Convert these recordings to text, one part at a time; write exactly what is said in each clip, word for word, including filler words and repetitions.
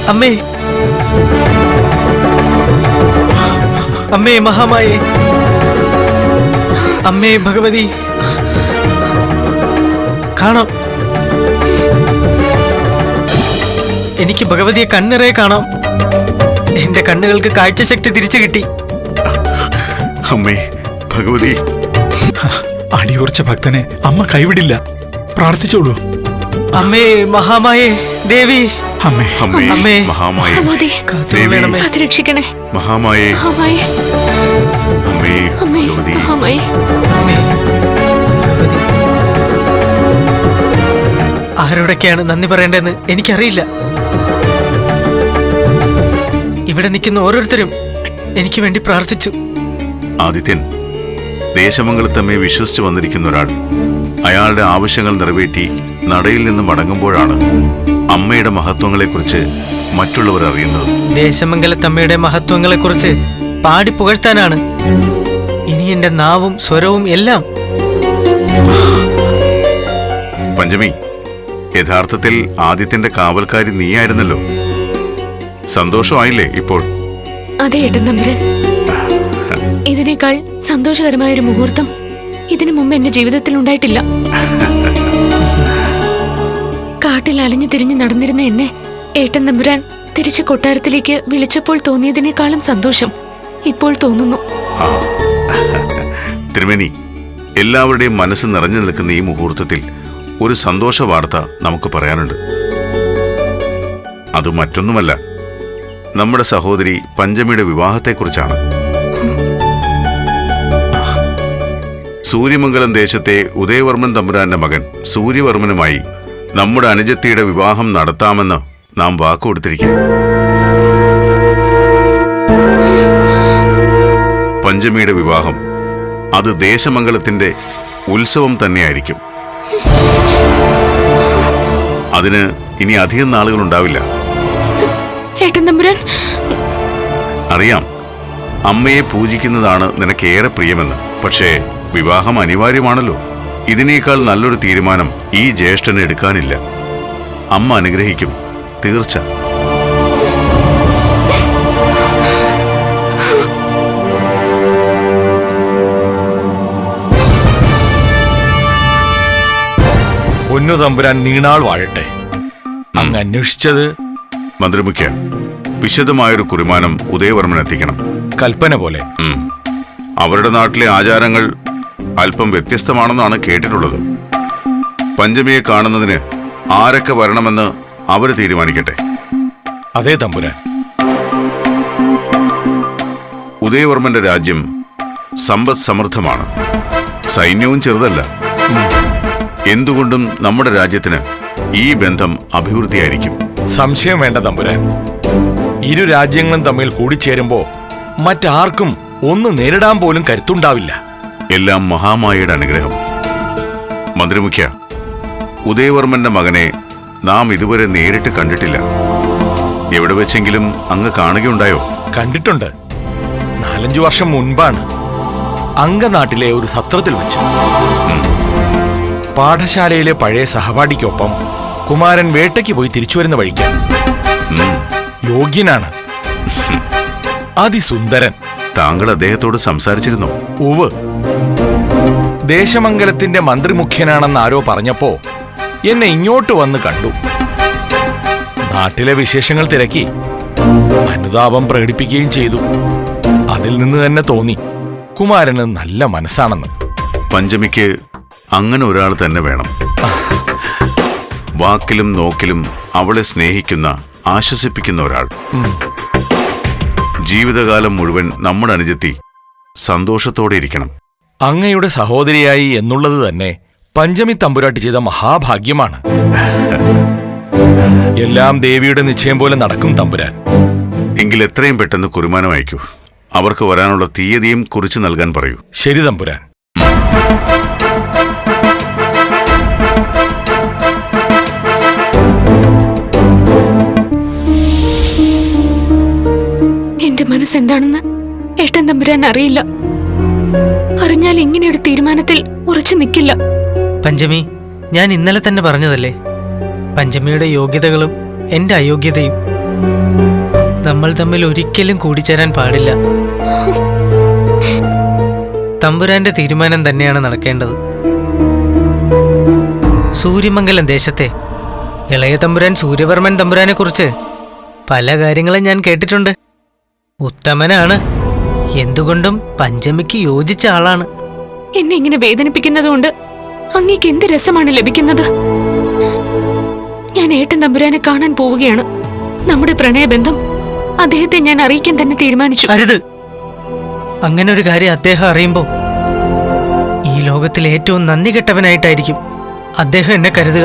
അമ്മേ, അമ്മേ മഹാമായേ, അമ്മേ ഭഗവതി, കാണാം. എനിക്ക് ഭഗവതിയെ കണ്ണിറയെ കാണാം. എന്റെ കണ്ണുകൾക്ക് കാഴ്ചശക്തി തിരിച്ചു കിട്ടി. അമ്മേ ഭഗവതി, അടിയുറച്ച ഭക്തനെ അമ്മ കൈവിടില്ല. പ്രാർത്ഥിച്ചോളൂ. അമ്മേ മഹാമായേ ദേവി, അമ്മേ അമ്മേ അമ്മേ മഹാമായേ, കാത്തുകൊള്ളണമേ. കാത്തുരക്ഷിക്കണേ മഹാമായേ, മഹാമായേ, അമ്മേ അമ്മേ ഭഗവതി. മഹാമായേ. അമ്മേ, ഭഗവതി. ആരോടൊക്കെയാണ് നന്ദി പറയേണ്ടതെന്ന് എനിക്കറിയില്ല. ഇവിടെ നിൽക്കുന്ന ഓരോരുത്തരും എനിക്ക് വേണ്ടി പ്രാർത്ഥിച്ചു. ആദിത്യൻ ദേശമംഗലത്തമ്മയെ വിശ്വസിച്ച് വന്നിരിക്കുന്ന ഒരാൾ അയാളുടെ ആവശ്യങ്ങൾ നിറവേറ്റി നടയിൽ നിന്ന് മടങ്ങുമ്പോഴാണ് അമ്മയുടെ മഹത്വങ്ങളെക്കുറിച്ച് മറ്റുള്ളവർ അറിയുന്നത്. ദേശമംഗലത്തമ്മയുടെ മഹത്വങ്ങളെക്കുറിച്ച് പാടി പുകഴ്ത്താനാണ് ഇനി എന്റെ നാവും സ്വരവും എല്ലാം. പഞ്ചമി, യഥാർത്ഥത്തിൽ ആദിത്യന്റെ കാവൽക്കാരി നീയായിരുന്നല്ലോ. സന്തോഷമായില്ലേ ഇപ്പോൾ? അതെ ഏട്ടൻ തമ്പുരാൻ, ഇതിനേക്കാൾ സന്തോഷകരമായ ഒരു മുഹൂർത്തം ഇതിനു മുമ്പ് എന്റെ ജീവിതത്തിൽ ഉണ്ടായിട്ടില്ല. കാട്ടിൽ അലഞ്ഞു തിരിഞ്ഞു നടന്നിരുന്ന എന്നെ ഏട്ടൻ തമ്പുരാൻ തിരിച്ചു കൊട്ടാരത്തിലേക്ക് വിളിച്ചപ്പോൾ തോന്നിയതിനേക്കാളും സന്തോഷം ഇപ്പോൾ തോന്നുന്നു. തിരുമേനി, എല്ലാവരുടെയും മനസ്സ് നിറഞ്ഞു നിൽക്കുന്ന ഈ മുഹൂർത്തത്തിൽ ഒരു സന്തോഷ വാർത്ത നമുക്ക് പറയാനുണ്ട്. അത് മറ്റൊന്നുമല്ല, നമ്മുടെ സഹോദരി പഞ്ചമിയുടെ വിവാഹത്തെക്കുറിച്ചാണ്. സൂര്യമംഗലം ദേശത്തെ ഉദയവർമ്മൻ തമ്പുരാന്റെ മകൻ സൂര്യവർമ്മനുമായി നമ്മുടെ അനുജത്തിയുടെ വിവാഹം നടത്താമെന്ന് നാം വാക്കുകൊടുത്തിരിക്കുന്നു. പഞ്ചമിയുടെ വിവാഹം അത് ദേശമംഗലത്തിന്റെ ഉത്സവം തന്നെയായിരിക്കും. അതിന് ഇനി അധികം നാളുകൾ ഉണ്ടാവില്ല. ഏട്ടൻ തമ്പുരാൻ, അറിയാം അമ്മയെ പൂജിക്കുന്നതാണ് നിനക്കേറെ പ്രിയമെന്ന്. പക്ഷേ വിവാഹം അനിവാര്യമാണല്ലോ. ഇതിനേക്കാൾ നല്ലൊരു തീരുമാനം ഈ ജ്യേഷ്ഠന് എടുക്കാനില്ല. അമ്മ അനുഗ്രഹിക്കും, തീർച്ച. പൊന്നു തമ്പുരാൻ നീണാൾ വാഴട്ടെ. അങ്ങ് അന്വേഷിച്ചത്? മന്ത്രിമുഖ്യ, വിശദമായൊരു കുറിമാനം ഉദയവർമ്മൻ എത്തിക്കണം. കൽപ്പന പോലെ. ഉം. അവരുടെ നാട്ടിലെ ആചാരങ്ങൾ അല്പം വ്യത്യസ്തമാണെന്നാണ് കേട്ടിട്ടുള്ളത്. പഞ്ചമിയെ കാണുന്നതിന് ആരൊക്കെ വരണമെന്ന് അവര് തീരുമാനിക്കട്ടെ. അതേ തമ്പുരാൻ. ഉദയവർമ്മന്റെ രാജ്യം സമ്പദ് സമൃദ്ധമാണ്. സൈന്യവും ചെറുതല്ല. എന്തുകൊണ്ടും നമ്മുടെ രാജ്യത്തിന് ഈ ബന്ധം അഭിവൃദ്ധിയായിരിക്കും. സംശയം വേണ്ട തമ്പുരാൻ. ഇരു രാജ്യങ്ങളും തമ്മിൽ കൂടിച്ചേരുമ്പോ മറ്റാർക്കും ഒന്ന് നേരിടാൻ പോലും കരുത്തുണ്ടാവില്ല. എല്ലാം മഹാമായയുടെ അനുഗ്രഹം. മന്ത്രിമുഖ്യ, ഉദയവർമ്മന്റെ മകനെ നാം ഇതുവരെ നേരിട്ട് കണ്ടിട്ടില്ല. എവിടെ വെച്ചെങ്കിലും അങ്ങ് കാണുകയുണ്ടായോ? കണ്ടിട്ടുണ്ട്. നാലഞ്ചു വർഷം മുൻപാണ് അങ്കനാട്ടിലെ ഒരു സത്രത്തിൽ വെച്ച്. പാഠശാലയിലെ പഴയ സഹപാഠിക്കൊപ്പം കുമാരൻ വേട്ടയ്ക്ക് പോയി തിരിച്ചു വരുന്ന വഴിക്ക്. യോഗ്യനാണ്, അതിസുന്ദരൻ. താങ്കൾ അദ്ദേഹത്തോട് സംസാരിച്ചിരുന്നോ? ഉവ്. ദേശമംഗലത്തിന്റെ മന്ത്രിമുഖ്യനാണെന്ന് ആരോ പറഞ്ഞപ്പോ എന്നെ ഇങ്ങോട്ട് വന്ന് കണ്ടു. നാട്ടിലെ വിശേഷങ്ങൾ തിരക്കി അനുതാപം പ്രകടിപ്പിക്കുകയും ചെയ്തു. അതിൽ നിന്ന് തന്നെ തോന്നി കുമാരന് നല്ല മനസ്സാണെന്ന്. പഞ്ചമിക്ക് അങ്ങനെ ഒരാൾ തന്നെ വേണം. വാക്കിലും നോക്കിലും അവളെ സ്നേഹിക്കുന്ന, ആശ്വസിപ്പിക്കുന്ന ഒരാൾ. ജീവിതകാലം മുഴുവൻ നമ്മുടെ അനുജത്തി സന്തോഷത്തോടെ ഇരിക്കണം. അങ്ങയുടെ സഹോദരിയായി എന്നുള്ളത് തന്നെ പഞ്ചമി തമ്പുരാട്ടി ചെയ്ത മഹാഭാഗ്യമാണ്. എല്ലാം ദേവിയുടെ നിശ്ചയം പോലെ നടക്കും തമ്പുരാൻ. എങ്കിൽ എത്രയും പെട്ടെന്ന് കുറിമാനം അയക്കൂ. അവർക്ക് വരാനുള്ള തീയതിയും കുറിച്ച് നൽകാൻ പറയൂ. ശരി തമ്പുരാൻ. എന്റെ മനസ്സെന്താണെന്ന് ഏട്ടൻ തമ്പുരാൻ അറിയില്ല. അറിഞ്ഞാൽ ഇങ്ങനെയൊരു തീരുമാനത്തിൽ ഉറച്ചു നിൽക്കില്ല. പഞ്ചമി, ഞാൻ ഇന്നലെ തന്നെ പറഞ്ഞതല്ലേ, പഞ്ചമിയുടെ യോഗ്യതകളും എന്റെ അയോഗ്യതയും നമ്മൾ തമ്മിൽ ഒരിക്കലും കൂടിച്ചേരാൻ പാടില്ല. തമ്പുരാന്റെ തീരുമാനം തന്നെയാണ് നടക്കേണ്ടത്. സൂര്യമംഗലം ദേശത്തെ ഇളയ തമ്പുരാൻ സൂര്യവർമ്മൻ തമ്പുരാനെ കുറിച്ച് പല കാര്യങ്ങളും ഞാൻ കേട്ടിട്ടുണ്ട്. ഉത്തമനാണ്, എന്തുകൊണ്ടും പഞ്ചമിക്ക് യോജിച്ച ആളാണ്. എന്നെ ഇങ്ങനെ വേദനിപ്പിക്കുന്നതുകൊണ്ട് അങ്ങേക്ക് എന്ത് രസമാണ് ലഭിക്കുന്നത്? ഞാൻ ഏട്ടൻ തമ്പുരാനെ കാണാൻ പോവുകയാണ്. നമ്മുടെ പ്രണയബന്ധം അദ്ദേഹത്തെ ഞാൻ അറിയിക്കാൻ തന്നെ തീരുമാനിച്ചു. അരുത്, അങ്ങനെ ഒരു കാര്യം അദ്ദേഹം അറിയുമ്പോൾ ഈ ലോകത്തിൽ ഏറ്റവും നന്ദി കെട്ടവനായിട്ടായിരിക്കും അദ്ദേഹം എന്നെ കരുതുക.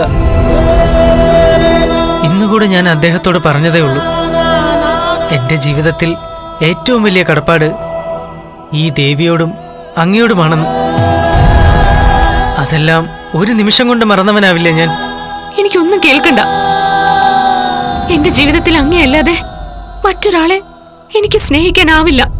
ഇന്നുകൂടെ ഞാൻ അദ്ദേഹത്തോട് പറഞ്ഞതേ ഉള്ളൂ, എന്റെ ജീവിതത്തിൽ ഏറ്റവും വലിയ കടപ്പാട് ഈ ദേവിയോടും അങ്ങയോടുമാണെന്ന്. അതെല്ലാം ഒരു നിമിഷം കൊണ്ട് മറന്നവനാവില്ല ഞാൻ. എനിക്കൊന്നും കേൾക്കണ്ട. എന്റെ ജീവിതത്തിൽ അങ്ങയല്ലാതെ മറ്റൊരാളെ എനിക്ക് സ്നേഹിക്കാനാവില്ല.